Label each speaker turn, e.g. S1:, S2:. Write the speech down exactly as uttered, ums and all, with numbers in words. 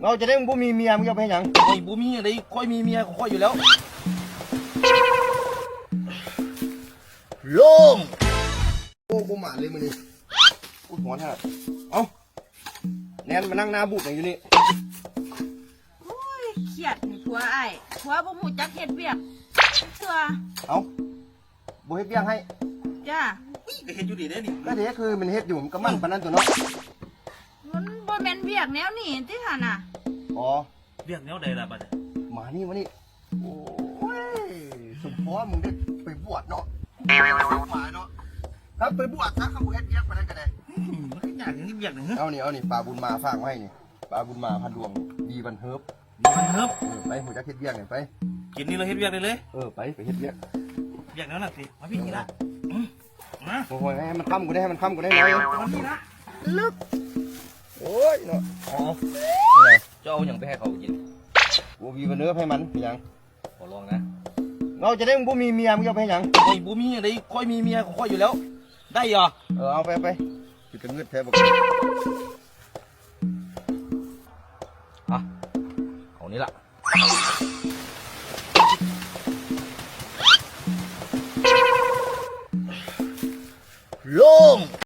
S1: เราจะได้มึงบ่มีเมียมึงจะไปหยัง
S2: ไอ้บ่มีอะไรค่อยมีเมียค่อยอยู่แล้ว
S1: ลมโอ้กูหมาเลยมึงนี่กูหัวท่าเอ้าแนนมานั่งหน้าบุกอย่างอยู่นี่
S3: โอ้ยเครียดนี่ผัวไอ้ผัวบ่ฮู้จักเฮ็ดเวียกเถื่อ
S1: เอ้าบ่เฮ็ดเบี้ยงให้
S3: จ้า
S2: ก็เห็นอยู่ดีได้นี่
S1: ก็เด็กคือมันเฮ็ดอยู่มันก็มั่นปานนั้นตัวเนาะ
S3: มันบ่แม่นเวียกแนวนี้ติหั่นน่ะ
S1: อ๋อ
S2: เรียกแนวใดล่ะบัด
S1: มานี่มานี่โอ้ยสมพรมึงได้ไปบวชเนาะมาเนาะครับไปบวชซะเขาเฮ็ดเบี้ยงปานนั้นก็ได้
S2: มันก็อยากอย่างนี้เรียกนึง
S1: เอานี่เอานี่ปลาบุญมาฝากไว้นี่ปลาบุญมาพันดวงดีบันเฮิบ
S2: มันเฮิบ
S1: ไปหัวจักเฮ็ดเบี้ยงนี่ไป
S2: กินนี่เราเฮ็ดเรียกได้เลย
S1: เออไปไปเฮ็ดเบี้ยง
S2: เรียกแล้วน่ะสิมาพี่นี่ละมา
S1: โอ้ยให้มันค่ำกูได้ให้มันค่ำกูได้เลย
S2: มาพี่ละ
S3: ลึก
S1: โอ้ยเนาะ
S2: อ๋อจะเอาอย่างไปให้เขากิน
S1: กูมีบันเฮิบให้มันยัง
S2: ขอลองนะ
S1: เราจะได้มึงบ่มีเมียมึงจะไปหยัง
S2: ไอ้บ่มีอะไรค่อยมีเมียค่อยอยู่แล้วได้เหรอ
S1: เออเอาไปไปจุดกระเงือดแท้บอก
S2: อ่ะเอานี้ละ